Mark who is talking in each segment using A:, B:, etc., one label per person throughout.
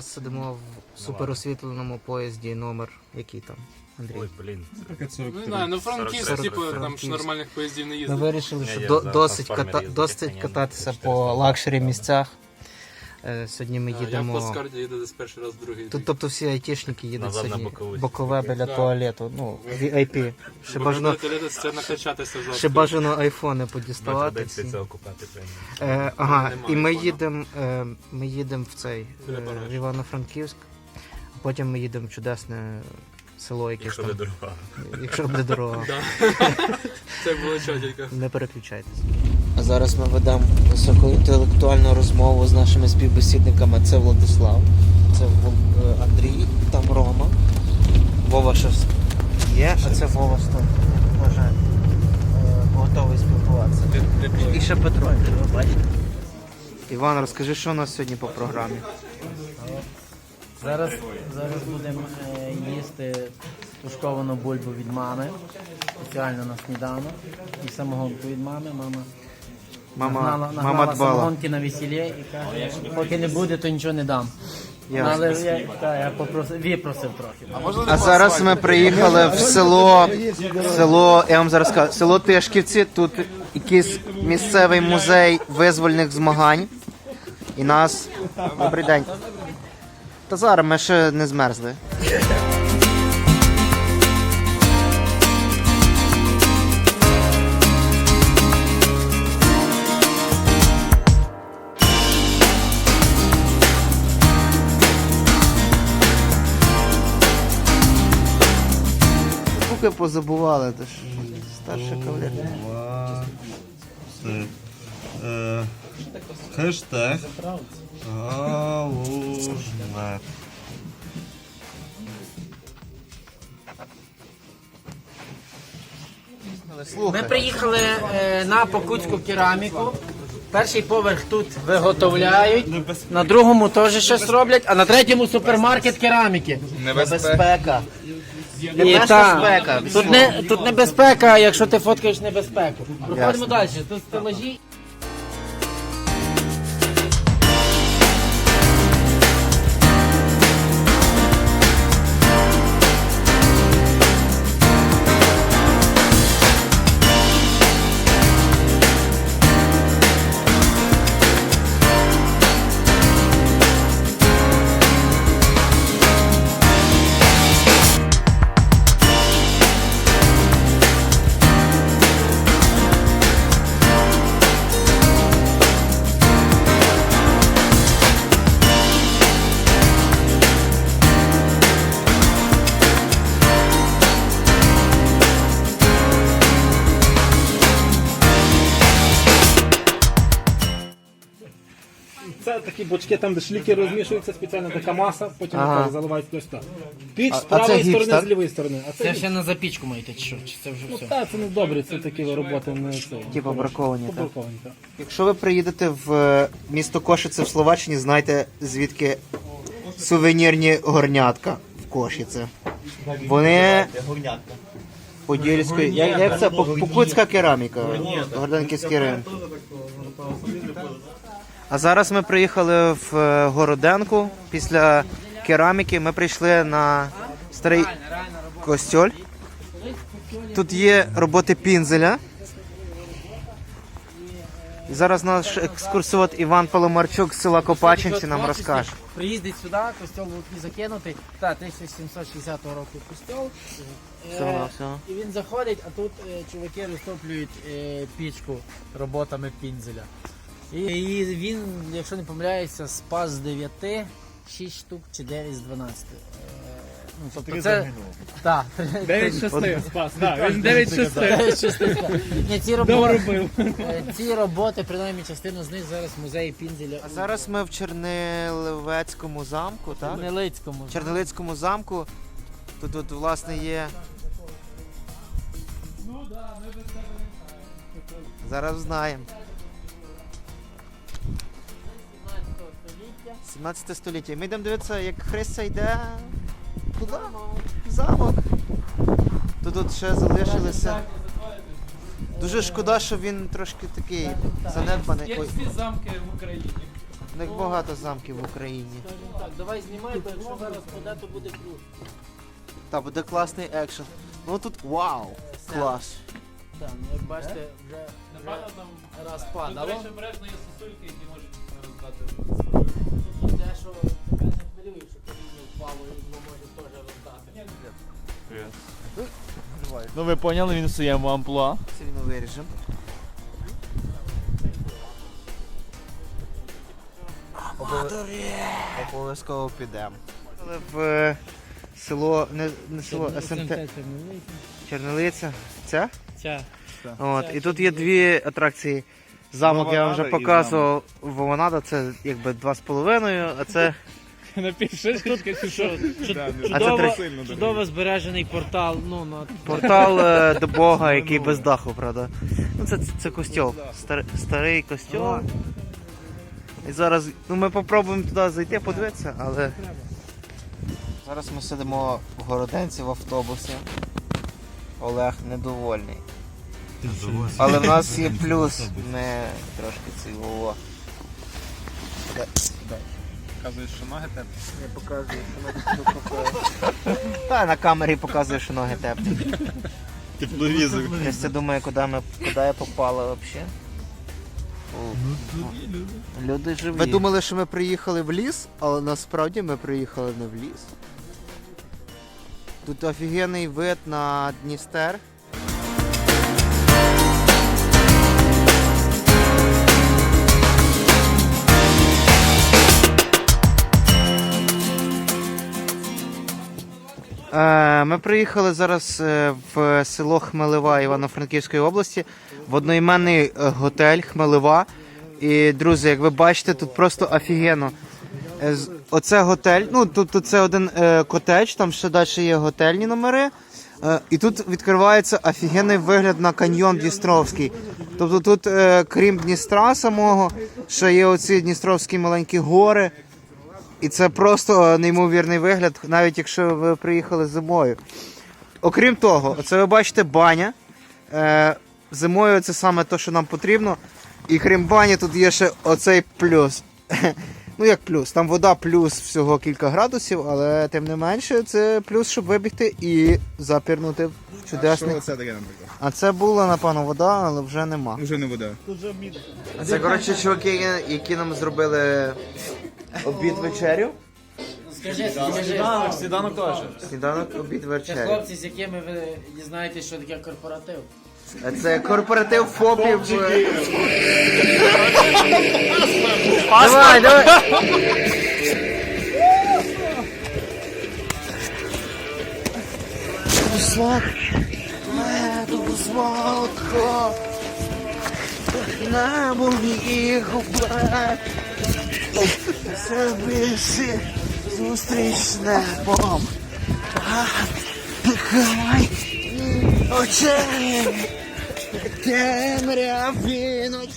A: сидимо в суперосвітленому поїзді, номер який там, Андрій?
B: Ой, блін.
C: Не знаю, ну Франківськ,
B: 43.
C: типу, там ж
A: Франківськ.
C: нормальних поїздів не
A: Ми
C: їздить.
A: вирішили,
B: Я
A: що
B: за
A: досить,
B: трансформери їздив,
A: досить
B: звісно,
A: кататися
B: 400
A: по лакшері місцях. Сьогодні ми
C: Я в
A: їдемо...
C: плацкарді їду десь перший раз, другий.
A: Тут, тобто всі айтішники їдуть
B: Назад на
A: сьогодні
B: бокову.
A: бокове біля
C: Да.
A: туалету, ну, VIP. Ще бажано,
C: Це накачатися жорстко.
A: ще бажано айфони
B: Ми
A: подіставати
B: традиції
A: всі.
B: це окупати.
A: Ага,
C: Немає
A: і ми
C: айфона.
A: їдемо в цей,
C: Біля Парижа.
A: в Івано-Франківськ, а потім ми їдемо в чудесне село, якесь
B: Якщо
A: там,
B: не дорога.
A: якщо буде дорога.
C: Да. Це було чотенько.
A: Не переключайтесь. А зараз ми ведемо високоінтелектуальну розмову з нашими співбесідниками. Це Владислав, це Андрій, там Рома. Вова щось є, а це Вова стоп. Може готовий спілкуватися. І ще Петро, ви бачите. Іван, розкажи, що у нас сьогодні по програмі?
D: Зараз будемо їсти тушковану бульбу від мами, спеціально на сніданок. І самогонку від мами.
A: Мама
D: нагнала
A: дбала.
D: самогонки на весіллі і каже, поки не буде, то нічого не дам.
A: Ясно.
D: Але я випросив трохи.
A: А зараз ми приїхали в село, я вам зараз скажу, село Тишківці. Тут якийсь місцевий музей визвольних змагань. І нас... Добрий день. Та зараз ми ще не змерзли. Поки позабували, то ж старша кавалерія.
E: Хештег Галужне.
D: Ми приїхали на Покутську кераміку. Перший поверх тут виготовляють, на другому теж щось роблять, а на третьому супермаркет кераміки.
A: Небезпека.
D: І тут небезпека, якщо ти фоткаєш небезпеку. Проходимо далі. Тут стелажі.
F: Це такі бочки, там де шліки розмішуються, спеціальна така маса, потім
A: Ага.
F: так заливають ось так. Піч з
A: це
F: правої
A: гіпс,
F: сторони,
A: так?
F: з лівої сторони. А
D: Це
F: це
D: ще на запічку маєте чи що? Чи це вже
F: ну,
D: все?
F: та, це не добре, це такі роботи не це.
A: Типу браковані, так?
F: Побраковані, так.
A: Якщо ви приїдете в місто Кошице в Словаччині, знайте звідки сувенірні горнятка в Кошице. Вони подільської, як це? Покутська кераміка, Горденківський ринок. А зараз ми приїхали в Городенку. Після кераміки ми прийшли на старий костьоль. Тут є роботи Пінзеля. І зараз наш екскурсовод Іван Паломарчук з села Копачинці нам розкаже.
D: Приїздить сюди, костьол був і закинутий. Так, 1760 року костьол.
A: Всього.
D: І він заходить, а тут чуваки розтоплюють пічку роботами Пінзеля. І він, якщо не помиляюся, спас з 9, 6 штук чи 9 з 12. Ну, тобто це... Так,
F: 9 шостих спас, так, він 9 шостих.
D: 9 шостих. Ні, ці роботи, принаймні частину з них зараз в музеї Пінзеля
A: А зараз ми в Чернилецькому замку,
D: у
A: так?
D: Нелицькому.
A: В Чернилецькому замку. Тут власне є. Зараз знаємо. 17 століття. Ми йдемо дивитися, як Христя йде туди, в замок. Тут ще залишилися. Дуже шкода, що він трошки такий занедбаний. Ой.
C: Всі замки в Україні.
A: У них багато замків в Україні.
D: Скажімо так, давай знімай, бо якщо зараз поде, то буде круто.
A: Та буде класний екшен. Ну тут вау! Клас.
D: Так, ну як бачите, вже раз падало.
C: обережно є сосульки, які можуть роздати.
D: Тут дещо тебе не хвилює, що ти не впав і його може теж роздати.
B: Ну ви поняли, він в своєму амплуа.
A: Все рівно виріжемо. Обов'язково підемо. В село, не село, СМТ Чернолиця. Це?
D: Ця.
A: От, і тут є дві атракції. Замок я вам вже
B: Вованада і
A: показував. Вованада це якби 2,5, а це
B: Напівшишечка чи що?
A: А це три.
D: Чудово збережений портал. Ну, на...
A: портал до Бога, який без даху, правда. Ну це костьол. Старий костьол. І зараз ми попробуємо туди зайти, подивитися, але. Зараз ми сидимо в Городенці в автобусі. Олег недовольний. Але в нас є плюс. Ми трошки цілого.
B: Показуєш, що ноги теплі?
A: Я показую, що ноги теплі. Та на камері показує, що ноги теплі.
B: Тепловізор.
A: Я думаю, куди я попала взагалі. Люди живі. Ви думали, що ми приїхали в ліс, але насправді ми приїхали не в ліс. Тут офігенний вид на Дністер. Ми приїхали зараз в село Хмелева Івано-Франківської області, в одноіменний готель Хмелева. І, друзі, як ви бачите, тут просто офігенно. Оце готель, ну тут це один котедж, там ще далі є готельні номери. І тут відкривається офігенний вигляд на каньйон Дністровський. Тобто тут, крім Дністра самого, ще є оці Дністровські маленькі гори. І це просто неймовірний вигляд, навіть якщо ви приїхали зимою. Окрім того, оце ви бачите баня. Зимою це саме те, що нам потрібно. І крім бані, тут є ще оцей плюс. Ну як плюс, там вода плюс всього кілька градусів, але тим не менше це плюс, щоб вибігти і запірнути в чудесний.
B: Що це таке, наприклад?
A: А це була, напевно, вода, але вже нема.
B: Вже не вода.
A: Це, коротше, чуваки, які нам зробили обід-вечерю.
D: Скажи.
B: Сніданок теж.
A: Сніданок,
D: Це
A: обід-вечерю.
D: хлопці, з якими ви дізнаєтесь, що таке корпоратив.
A: Це корпоратив ФОПів. Давай. Сладко на моїх губах все більше зустріч з небом. Хай очей темряві ночі.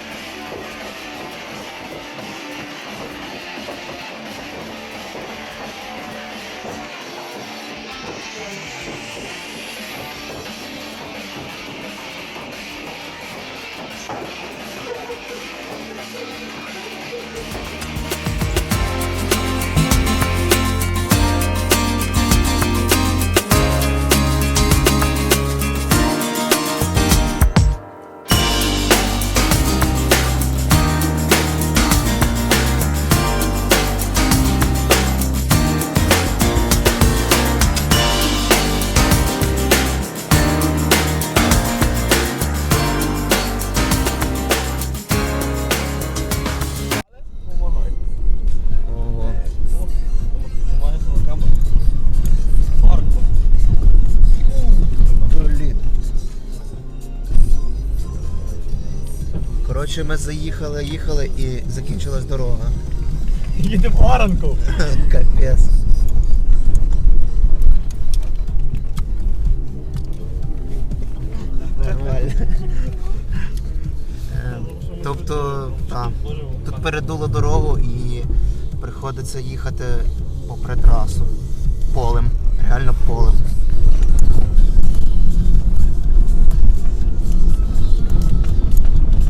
A: Коротше, ми їхали і закінчилась дорога.
B: Їдемо в Оранку.
A: Капець. Нормально. Тобто, так, тут передуло дорогу і приходиться їхати попри трасу.